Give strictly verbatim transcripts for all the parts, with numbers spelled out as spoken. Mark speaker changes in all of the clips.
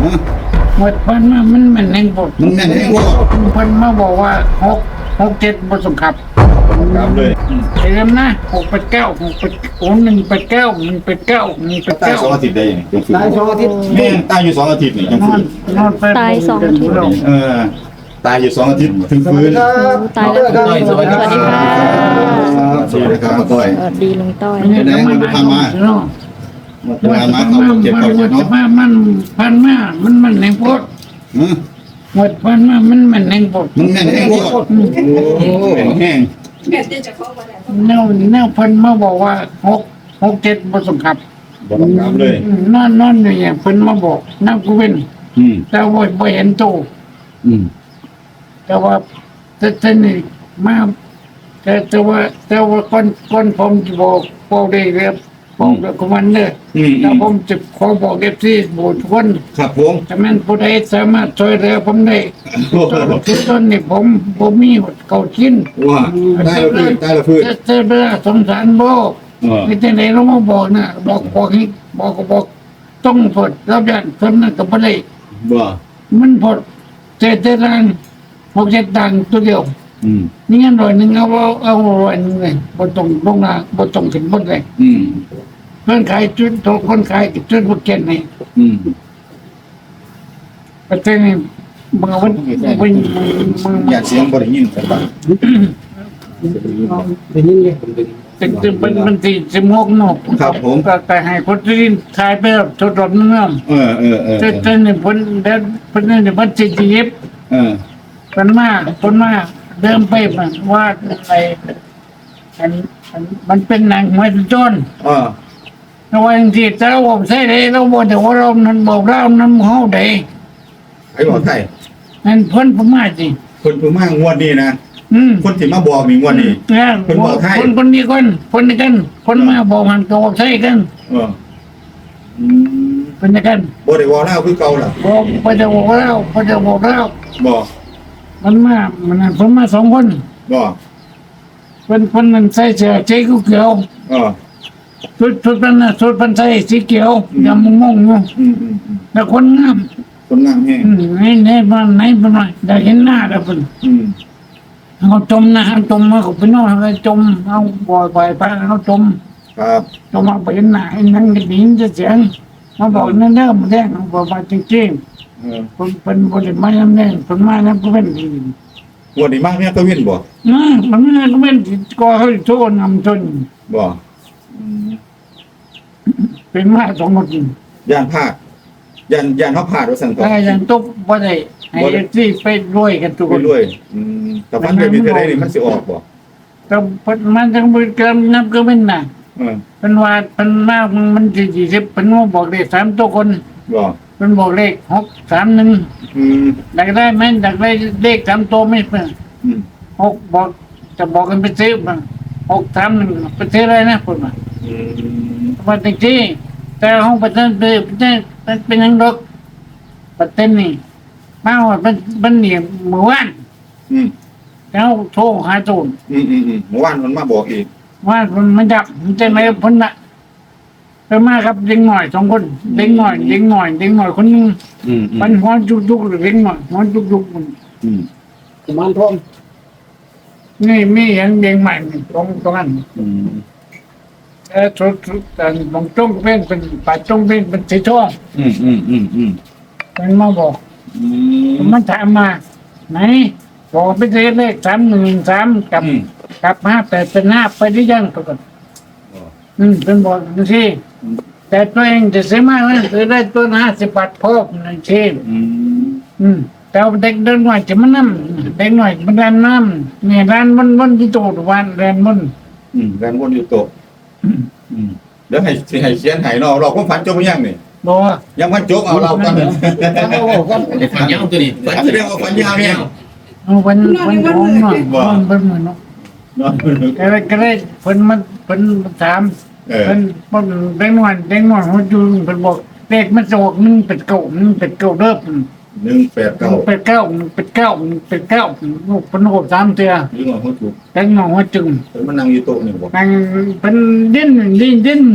Speaker 1: หมดพันมามันมันแห่งบท
Speaker 2: มันแม่นแห่งบ่
Speaker 1: พันมาบอกว่าหกหกเจ็ดบทสงขับ
Speaker 2: ตามเลย
Speaker 1: เต็มนะหกเป็ดเก้าหกเป็ดโอ้หนึ่งเป็ดเก้าหนึ่งเป็ดเก้าหนึ่งเป็ด
Speaker 2: ตาย
Speaker 1: เก้า
Speaker 2: สองอาทิตย์ได้ยังจัง
Speaker 3: ตายสองอาทิตย์
Speaker 2: แม่ตายอยู่สองอาทิตย์นี่จัง
Speaker 1: นอ
Speaker 2: ฟื้
Speaker 1: น
Speaker 2: น
Speaker 1: นอนไป
Speaker 4: ตายสองอาทิตย์
Speaker 2: เออตายอยู่สองอาทิตย์ถึงฟื้น
Speaker 4: ตายแล้ว
Speaker 3: สวัสดีครับ
Speaker 4: สวัสดีค่ะ
Speaker 2: สวัสดีครับมาต้อย
Speaker 4: สวัสดีลุงต้อย
Speaker 2: เป็นไงมันทำมาทำมามาเขาเจ็บเขาเจ็บ
Speaker 1: จะ
Speaker 2: เนาะ
Speaker 1: มามันพันมามันมันแห่งบท
Speaker 2: อืม
Speaker 1: หมดพันมามันมันแห่งบท
Speaker 2: มันแม่นแห่งบ่โอ้แม่นแห้ง
Speaker 5: แม่จะเข้ามาแล้ว
Speaker 1: แนวแนวพันมาบอกว่าหกหกเจ็ดบทสงขับ
Speaker 2: บ่ต้องถามเลย
Speaker 1: นอนนอนอยู่อย่างเพิ่นมาบอกนักกูเป็น
Speaker 2: อืม
Speaker 1: แต่ว่าบ่เห็นโต
Speaker 2: อืม
Speaker 1: แต่ว่าแต่แต่นี่มาแต่แต่ว่าแต่ว่าก่อนก่อนผมจะบอกบอกได้เรียบบอกกับคอมมานเดอร์
Speaker 2: อืม
Speaker 1: แล้วผมจะขอบอกเอฟซีบอกทุกคน
Speaker 2: ครับผม
Speaker 1: ถ้าแม่นผู้ใดสามารถช่วยเหลือผมได้ทุกต้นนี่ผมผมมีเก่าชิ้น
Speaker 2: ว่าได้แล้วพื้นได้แล้วพื้น
Speaker 1: แต่แต่เวลาสงสารบ่
Speaker 2: เออ
Speaker 1: ไม่ใช่ไหนเรามาบอกนะบอกบอกให้บอกก็บอกต้องพดรับยันเพิ่นนั่นก็บ่ได้
Speaker 2: บ่
Speaker 1: มันพดเจ็ดตารางหกเจ็ดตังค์ตัวเดียว
Speaker 2: อืม
Speaker 1: นี่งั้นร้อยหนึ่งเอาเอาเอาร้อยหนึ่งเลยบนตรงลงนาบนตรงขึ้นบนเลย
Speaker 2: อืม
Speaker 1: เพื่อนขายจุดโตคนขายจุดบุกเก็ตนี่
Speaker 2: อืม
Speaker 1: ประเทศนี้มึงเอาไว้มึงมึง
Speaker 2: อย่าเสียงบ่ได้ยินครับ
Speaker 3: เป็นยังไง
Speaker 1: ตึกตึกเป็นมันตีสมกนก
Speaker 2: ครับผม
Speaker 1: ก็แต่ให้คนที่ขายไปแบบทดลองเนื้อ
Speaker 2: เออเออเออ
Speaker 1: เจ้าเจ้านี่พ้นเดินพ้นนี่เดี๋ยวมันจะยิบ
Speaker 2: เออ
Speaker 1: มันมากพ้นมากเดิมไปมันว่าอะไรอันอันมันเป็นหนังมวยจน
Speaker 2: เออ
Speaker 1: เราว่าจริงๆแต่เราบอกใช่เลยเราบอกแต่ว่าเรานั้นบอกเรานั้นเฮาได้
Speaker 2: ไอ้บอกไทย
Speaker 1: นั่นพ้นพม่าจริง
Speaker 2: คนผู้มางวดนี้นะ
Speaker 1: อืม
Speaker 2: คนที่มาบอกนี่งวดนี้
Speaker 1: เนี่ย
Speaker 2: เพิ่นบอกให้
Speaker 1: คนคนนี้คนคนนี้กัน คนมาบอกมันก็บอกใช่กัน
Speaker 2: เอออืม
Speaker 1: เป็นกัน
Speaker 2: บ่ได้ว่าเล่าคือเก่าล่ะ
Speaker 1: บอกพระเจ้าบอกเราพระเจ้าบอกเรา
Speaker 2: บอก
Speaker 1: มันมามันนั่นผมมาสองคน
Speaker 2: บอก
Speaker 1: เป็นคนนั้นใส่เสื้อสีเขียว
Speaker 2: เออ
Speaker 1: ชุดชุดนั้นน่ะชุดพันใส่สีเขียวดำมงมงอยู่
Speaker 2: อืมอืมอืม
Speaker 1: แต่คนงาม
Speaker 2: คนงามแห้ง
Speaker 1: อืมไหนไหนบ้านไหนบ้านไหนได้เห็นหน้าแล้วเป็น
Speaker 2: อืม
Speaker 1: เขาจมนะเขาจมมาเขาไปนอนเขาจมเอาบ่อยบ่อยไปเขาจม
Speaker 2: ครับ
Speaker 1: จมมาไปเห็นหน้าไอ้นั่นก็ดีจะเสียงมาบอกนั่นเด้อมาแดงเขาบอกว่าจริง
Speaker 2: เออ
Speaker 1: ๆคนเป็นบริมาน้ำแดงคนมาน้ำก็เป็นดี
Speaker 2: งวดนี้มากเนี่ยก็เว้นบ่
Speaker 1: นะมันไม่ก็เป็นก็เขาโทษนำจน
Speaker 2: บ่
Speaker 1: เป็นมาสองคน
Speaker 2: ย่านพลาดย่านย่านเฮาพลาดว่าซั่นต่อ
Speaker 1: แต่ยังตกบ่ได้ให้ที่ไปรวยกันทุก
Speaker 2: ไป
Speaker 1: คน
Speaker 2: รวยอืมแต่ฟันแบบนี้เท่าใดนี่มันสิออกบ่
Speaker 1: แต่มันจังบ่เกินนับก็เป็นน่ะ
Speaker 2: เออ
Speaker 1: เป็นว่าเป็นมากมันสี่สิบเป็นว่าบอกเลขสามตัวคน
Speaker 2: บ่
Speaker 1: เป็นบอกเลขหกสามหนึ่ง
Speaker 2: อืม
Speaker 1: อยากได้ไหมอยากได้เลขสามตัวไม่เป็น
Speaker 2: อืม
Speaker 1: หกบอกจะบอกกันไปซื้อมาหกสามหนึ่งไปซื้ออะไรนะคนมา
Speaker 2: อืม
Speaker 1: วันที่แต่ห้องประเทศเป็นเป็นยังดอกประเทศนี่มาว่าเป็นเป็นเหนียเมื่อวาน
Speaker 2: อืม
Speaker 1: แล้วโทรหาโจร
Speaker 2: อืมอืมอืมเมื่อวานมันมาบอกอีก
Speaker 1: ว่ามันมันจับมันจะไหนพ้นละไปมาครับเด็กหน่อยสองคนเด็กหน่อยเด็กหน่อยเด็กหน่อยคนนึง
Speaker 2: อืมอื
Speaker 1: มันหัวจุกจุกเด็กหน่อยหัวจุกจุกมัน
Speaker 2: อืม
Speaker 3: กุมารทอง
Speaker 1: นี่มีเห็นเด็กใหม่ตรงตรงนั้น
Speaker 2: อืม
Speaker 1: เออทุกทุกแต่บางจงเป็นเป็นป่าจงเป็นเป็นสีทอง
Speaker 2: อืมอืมอืมอืม
Speaker 1: มันมาบอก
Speaker 2: อืม
Speaker 1: มันถามมาไหนบอกไปซื้อเลขสามหนึ่งสามกับ
Speaker 2: อืม
Speaker 1: กับห้าแปดเป็นห้าไปได้ยังปรากฏ
Speaker 2: อ๋อ
Speaker 1: อืมเป็นบอกนั่นสิแต่ตัวเองจะซื้อมากนะซื้อได้ตัวห้าสิบบาทพอนั่นสิ
Speaker 2: อืม
Speaker 1: อืมแต่ว่าเด็กเดินหน่อยจะมันน้ำเด็กหน่อยมันแรนน้ำเนี่ยแรนมันมันที่โตทุกวันแรนมัน
Speaker 2: อืมแรงวนอยู่โตะอืมเดี๋ยวให้สิให้เขียนให้เนาะเราก็ฝันจบหรือยังนี่
Speaker 1: บอกว่า
Speaker 2: ยังพันจบเอาเรากัน
Speaker 3: เอากัน
Speaker 6: ไอ้ฝันยาวตัวนี้
Speaker 2: ฝันแสดงว่าฝันยาวเนี่ย
Speaker 1: เอาวันวันท้องหน่อยมันเป็นเหมือนเนาะ
Speaker 2: เนาะ
Speaker 1: ก็เลยก็เลยเพิ่นมันเพิ่นถาม
Speaker 2: เออ
Speaker 1: เพิ่นเพิ่นเด็กหน่อยเด็กหน่อยเขาจูนเพิ่นบอกเลขมันจะออกหนึ่งเป็ดเก้าหนึ่งเป็ดเก้าเด้อ
Speaker 2: หนึ่งแปดเก้า
Speaker 1: เป็ดเก้าเป็ดเก้าเป็ดเก้าลูกเป็นโหดสามเตือ
Speaker 2: หรือว่าหัวจุก
Speaker 1: แต่งหนองว่าจึง
Speaker 2: เพิ่นมานั่งอยู่โต๊ะนี่บอก
Speaker 1: นั่งเป็นดิ้นดิ้นดิ้นนี่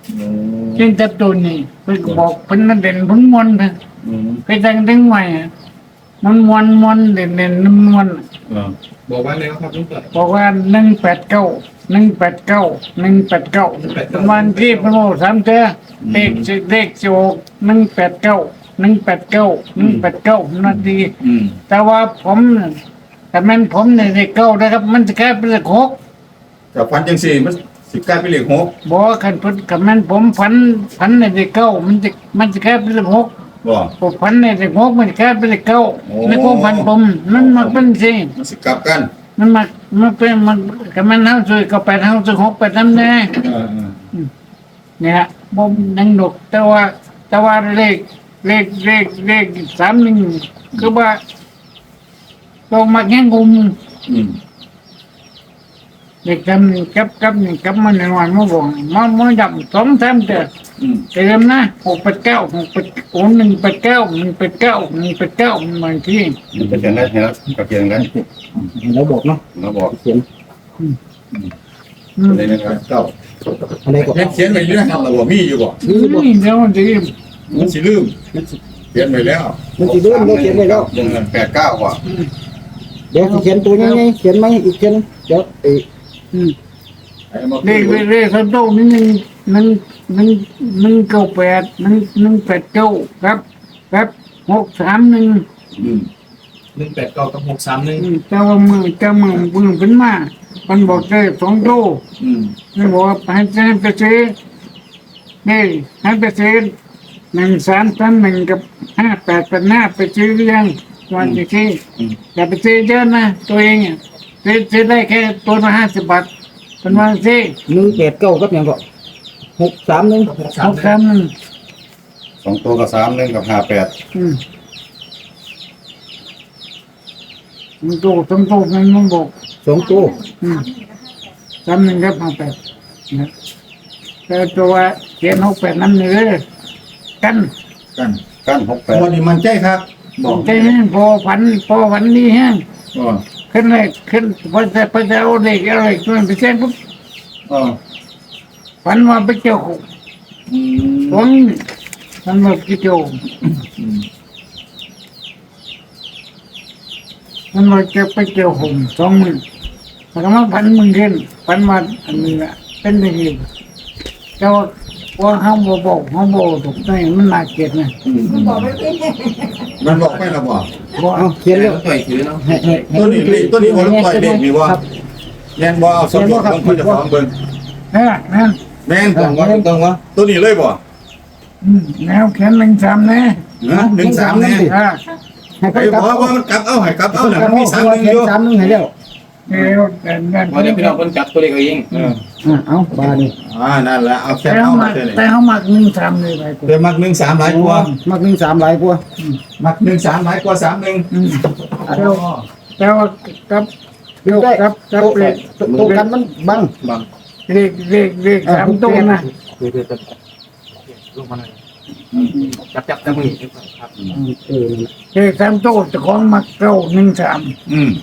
Speaker 2: อืม
Speaker 1: เพียงแต่ตัวนี้เพิ่นก็บอกเพิ่นนั่นเด่นเพิ่นมวนนะ
Speaker 2: อืม
Speaker 1: ไปแต่งถึงไว้อะมันมวนมวนเด่นเด่นมันมวน
Speaker 2: เออ
Speaker 6: บอกว่าไงครับลุงเปิด
Speaker 1: บอกว่าหนึ่งแปดเก้าหนึ่งแปดเก้าหนึ่งแปดเก้าวันที่พระโมสามเจ้าเลขสิเลขโจกหนึ่งแปดเก้าหนึ่งแปดเก้าหนึ่งแปดเก้านาที
Speaker 2: อืม
Speaker 1: แต่ว่าผมน่ะแต่มันผมในเลขเก้านะครับ มันจะแค่เป็นเลขหก
Speaker 2: กับฟันจังสี่มันสิกลายเป็นเลขหก
Speaker 1: บอกว่าขันพุทธกับมันผมฝันฝันในเลขเก้ามันจะมันจะแค่เป็นเลขหก
Speaker 2: บ่
Speaker 1: ผมฝันในเลขหกมันจะแค่เป็นเลขเก้า
Speaker 2: โอ้
Speaker 1: ในความฝันผมมันมาเป็นสิ
Speaker 2: มันสิกลับกัน
Speaker 1: มันมามันเป็นมันกับมันเท่าสุดก็แปดเท่าสุดหกแปดน้ำแน่
Speaker 2: เออเออ
Speaker 1: เนี่ยบ่มนังดกแต่ว่าแต่ว่าเลขเลขเลขเลขสามหนึ่งคือว่าลงมาแข่งกุม
Speaker 2: อืม
Speaker 1: เด็กจำหนึ่งกับกับหนึ่งกับมันในวันมื่อก่อนมันมันดับสองสามเดือน
Speaker 2: อืม
Speaker 1: เติมนะหกแปดเก้าหกแปดโอ้หนึ่งแปดเก้าหนึ่งแปดเก้าหนึ่งแปดเก้ามันบางที
Speaker 2: มันจะเขียนได้เห็นแล้วก็เขียนกัน
Speaker 3: เราบอกเนาะ
Speaker 2: เราบอก
Speaker 3: เขียน
Speaker 1: อืม
Speaker 2: ในนั้นเก้า
Speaker 3: อะไรก็
Speaker 2: เขียนเขียนไว้อยู่นะครับเราบอกมีอยู่บ่
Speaker 3: นี่บอก
Speaker 1: นี่เดี๋ยวมันจะ
Speaker 2: มันสิลืมเขียนไว้แล้ว
Speaker 3: มันสิเริ่มเราเขียนไว้แล้ว
Speaker 2: ยังเงินแปดเก้าว่ะ
Speaker 3: เดี๋ยวสิเขียนตัวยังไงเขียนไหมอีกเขียนเดี๋ยวเออ
Speaker 1: อืม
Speaker 2: ไอ้มา
Speaker 1: เลขเลขเลขเขาโตนี่หนึ่งหนึ่งหนึ่งหนึ่งเก้าแปดหนึ่งหนึ่งแปดเก้าครับครับหกสามหนึ่ง
Speaker 2: อืม
Speaker 6: หนึ่งแปดเก้ากับหกสามหนึ่ง
Speaker 1: เจ้าว่ามือเจ้ามือมือเป็นมามันบอกได้สองโต
Speaker 2: อืม
Speaker 1: มันบอกว่าให้เจ้าไปซื้อนี่ให้ไปซื้อหนึ่งสามสามหนึ่งกับห้าแปดแปดห้าไปซื้อหรือยังวันที่ที่อย่าไปซื้อเยอะนะตัวเองอ่ะซื้อซื้อได้แค่ตัวละห้าสิบบาทเป็นวันที่
Speaker 3: หนึ่งแปดเก้ากับอย่างก็หกสามหนึ่ง
Speaker 6: หก
Speaker 1: ห
Speaker 6: สาม
Speaker 1: กสามหนึ่ง
Speaker 2: สองตัวกับสามหนึ่งกับห้าแปด
Speaker 1: อืมมันโตสองโตมันมันบอก
Speaker 3: สองตัว
Speaker 1: อืมสามหนึ่งครับห้าแปดนะแต่ตัวเขียนหกแปดนั่นเลยกัน
Speaker 2: กัน กันหกแปดวันนี้มันใจครับบอก
Speaker 1: ใจแห้งพอฝันพอฝันดีแห้ง
Speaker 2: อ๋อ
Speaker 1: ขึ้นเลยขึ้นพอจะพอจะเอาเด็กอะไรขึ้นไปแจ้งปุ๊บ
Speaker 2: อ๋อ
Speaker 1: ฝันว่าไปเจ้าหก
Speaker 2: อืม
Speaker 1: ฝันฝันว่าไปเจ้า
Speaker 2: อืม
Speaker 1: ฝันว่าจะไปเจ้าหกสองหมื่นแล้วก็มาฝันมึงขึ้นฝันว่าอันนี้แหละเป็นอย่างนี้แต่ว่าว่าเขาบอกบอกเขาบอกถูกใจมันน่าเกลียดนะ
Speaker 2: อืม
Speaker 5: บอกไม่เป็น
Speaker 2: มันบอกไม่ละบอก
Speaker 1: บอก
Speaker 3: เอาเขียนแล้ว
Speaker 6: ต่อยถือเนาะ
Speaker 3: ให้ให้ให้
Speaker 2: ตัวนี้เลขตัวนี้วันต่อยเลขมีบ่
Speaker 3: ครับ
Speaker 2: แม่นบ่เอาสมบูรณ์ต้องคนจะฟ้องเบิ่ง
Speaker 1: นะนั่น
Speaker 2: แม่น
Speaker 3: ตรงวะตรงวะ
Speaker 2: ตัวนี้เลยบ่
Speaker 1: อืมแนวแขนหนึ่งสามแน่
Speaker 2: ฮะหนึ่งสามแน่
Speaker 1: อ่า
Speaker 3: ให้
Speaker 2: ไอ้
Speaker 3: เขา
Speaker 2: บ
Speaker 3: กลั
Speaker 2: อบ กว่ามันกลับเอาให้กลับเอาน่ะมันมีสามหนึ่ง
Speaker 3: เขี
Speaker 2: อย
Speaker 3: น
Speaker 2: ยู่
Speaker 3: สามหนึ่งให้แล้ว
Speaker 1: เดี๋ยวแต่นั่น
Speaker 6: วันนี้พี่น้องคนจับตัวเลขเอาเอง
Speaker 2: เออ
Speaker 3: อ่าเอาบานี่
Speaker 2: อ่านั่นแหละเอาแค่
Speaker 1: แต่
Speaker 2: เอา
Speaker 1: เขา
Speaker 2: มา
Speaker 1: มา
Speaker 2: เท่านี้
Speaker 1: แต่เขามาหนึ่งสามเลยไปกู
Speaker 2: เดี๋ยวมักหนึ่งสามหลายกว่า
Speaker 3: มักหนึ่งสามหลายกว่า
Speaker 2: มักหนึ่งสามหลายกว่าสามหนึ่ง
Speaker 1: อืมแต่ว่าแต่ว่ากับ
Speaker 3: เดี๋ยว
Speaker 1: กับกับ
Speaker 3: โต๊ะ
Speaker 1: เลข
Speaker 3: โต๊ะกันมันบัง
Speaker 6: บัง
Speaker 1: เลขเลขเลขสามตัวนะ
Speaker 6: เดี๋ยวเดี๋ยวเดี๋ยวลงมาหน่อยจับจับจับมือครับ
Speaker 3: เออ
Speaker 1: เลขสามตัวเจะของมักเก้าหนึ่งสาม
Speaker 2: อืม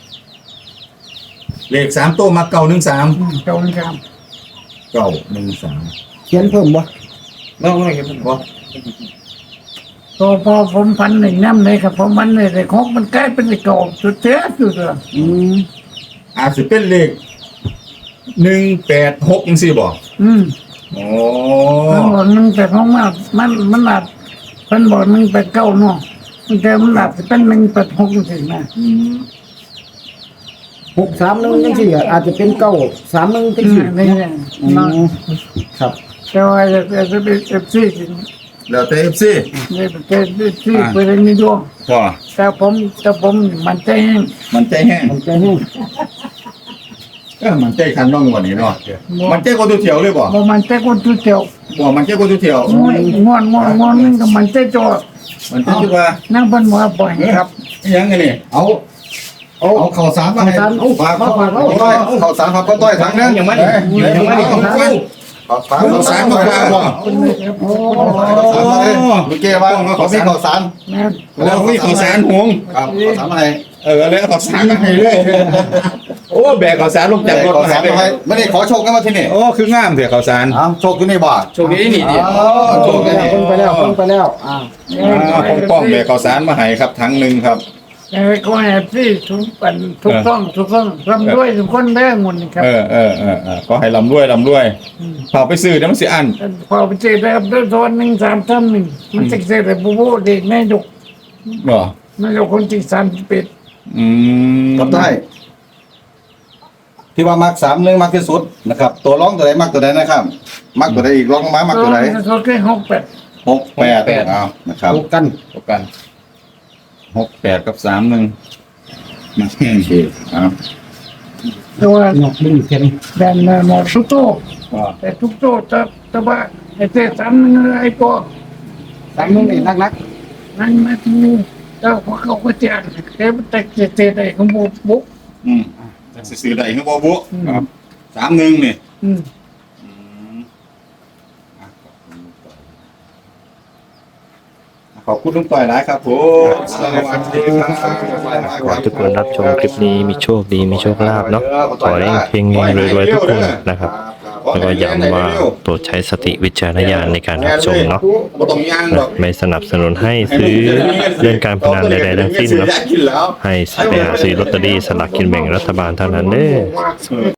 Speaker 2: เลขสามตัวมักเก่าหนึ่งสาม
Speaker 1: อืมเก้าหนึ่งสาม
Speaker 2: เก่าหนึ่งสาม
Speaker 3: เขียนเพิ่มบ่
Speaker 6: น้องอะไรกันผมบอก
Speaker 1: พอพอผมพันหนึ่งน้ำเลยครับผมมันเลยแต่ของมันใกล้เป็นเลขเก่าสุดเท้สุดเลย
Speaker 3: อืม
Speaker 2: อาจจะเป็นเลขหนึ่งแปดหกยังสี่บอก
Speaker 1: อืม
Speaker 2: โอ้
Speaker 1: มันบอกหนึ่งแต่ของมันมันมันหลับเพิ่นบอกหนึ่งแปดเก้าเนาะแต่มันหลับจะเป็นหนึ่งแปดหกสินะ
Speaker 2: อืม
Speaker 3: หกสามหนึ่งจังสี่อ่ะอาจจะเป็นเก้าสามหนึ่งจัง
Speaker 1: อื
Speaker 3: สี่
Speaker 1: มนี่เนี่ย
Speaker 3: อื
Speaker 1: เนาะ
Speaker 3: มครับ
Speaker 1: แต่ว่าจะจะเป็นเอฟซี
Speaker 2: แล้วแต่เอฟซี
Speaker 1: เนี่ยเป็นเอฟซีเป็นอะไรนี่ด้วย
Speaker 2: พอ
Speaker 1: แต่ผมแต่ผมมันใจแห้ง
Speaker 2: มันใจแห้ง
Speaker 3: มันใจแห้ง
Speaker 2: เออมันใจคันน้องกว่านี้เนาะมันใจคนตัวเถียวเลยบ่
Speaker 1: บ่มันใจคนทุเจียว
Speaker 2: บ่มันใจคนตัวเถียว
Speaker 1: ง่วนง่วนง่วนง่วนนึงก็มันใจจอ
Speaker 2: มันใจที่ว่า
Speaker 1: นั่งบนหัวปล่อยครับ
Speaker 2: ยังไงนี่เอาเอาเอาข่าวสารมาให้
Speaker 3: ข่าวสารเอา
Speaker 2: ฝาก
Speaker 3: มาฝากเอา
Speaker 2: เอาเอาข่าวสารครับก็ต้อยถังนึง
Speaker 6: ยังไม่
Speaker 2: เอ้ยยังไม่ได้ข่าวสารข่าวสารมาฝากบ่
Speaker 3: โอ้
Speaker 2: ข่าวสารมาเลยเมื่อกี้ว่าเขามีข่าวสาร
Speaker 1: นะ
Speaker 2: แล้วมีข่าวสารหงครับข่าวสารมาให้เออแล้วข่าวสารมาให้เลยโอ้แบกข้าวสารลงจากรถ
Speaker 7: ขอ
Speaker 2: มา
Speaker 7: สา
Speaker 2: หาร ไป
Speaker 7: มาให้ไม่ได้ขอโชคกันมาที่นี่
Speaker 2: โอ้คืองามเถอะข้าวสาร
Speaker 7: อ้าวโชคอยู่ในบ่า
Speaker 6: โชคดีนี่ดิ
Speaker 7: อ๋อโชคกัน
Speaker 3: เพิ่งไปแล้วเพิ่งไปแล้วอ่า
Speaker 2: อ่าป้องๆแบกข้าวสารมาให้ครับถังหนึงครับ
Speaker 1: เออก็แฮปปี้ทุกปันทุกต้องทุกต้องร่ำด้วยทุกคนได้หมดนี่ครับ
Speaker 2: เออเออเออเออขอให้ลำรวยลำรวยพอไปซื้อเดี๋ยวมันสิอัน
Speaker 1: พอไปเจอได้ครับด้วยโซนหนึ่งสามท่านหนึ่งมันจะเจอแต่บูบูเด็กนายก
Speaker 2: บ่
Speaker 1: นายกคนที่สามสิบเอ็ด
Speaker 2: อืม
Speaker 7: ครับได้ ที่ว่ามักสามหนึ่งมักที่สุดนะครับ ตัวร้องตัวใดมักตัวใดนะครับ มักตัวใดอีกร้องลงมามักตัวใด
Speaker 1: โซนแค่หกแปด
Speaker 7: หกแปดเอานะครับ
Speaker 3: ถูกกัน
Speaker 2: ตกกันหกแปดกับสามหนึ่งมาแค่นี้เอา
Speaker 1: ตัว
Speaker 3: หนอกดึงเข็น
Speaker 1: แบนหมดทุกโต๊ะ
Speaker 2: ว่า
Speaker 1: แต่ทุกโต๊ะจะจะว่าไอ้เจ๊สามนึงไอ้ก็
Speaker 3: สามนึงนี่นักนัก
Speaker 1: นั่งมาที่นี่แล้วพอเขาก็แจกแค่แต่เจ๊ไอ้ของบุบุ
Speaker 2: อืมจะซื้อได้คือบ่บุครับสามหนึ่งนี่
Speaker 1: อืม
Speaker 2: อืมอ่ะขอบคุณลุงต่อยหลายครับผมสวัสดีครับ
Speaker 8: ขอให้ทุกคนรับชมคลิปนี้มีโชคดีมีโชคลาภเนาะขอให้เฮงๆรวยๆทุกคนนะครับ แล้วก็ย้ำว่าโปรดใช้สติวิจารณญาณในการรับชมเนาะ
Speaker 2: บ่ต้องย่างดอก
Speaker 8: ไม่สนับสนุนให้ซื้อเรื่องการพนันใดๆทั้งสิ้นเนาะ
Speaker 2: กินแล้ว
Speaker 8: ให้ไปหาซื้อลอตเตอรี่สลากกินแบ่งรัฐบาลเท่านั้นเด้อ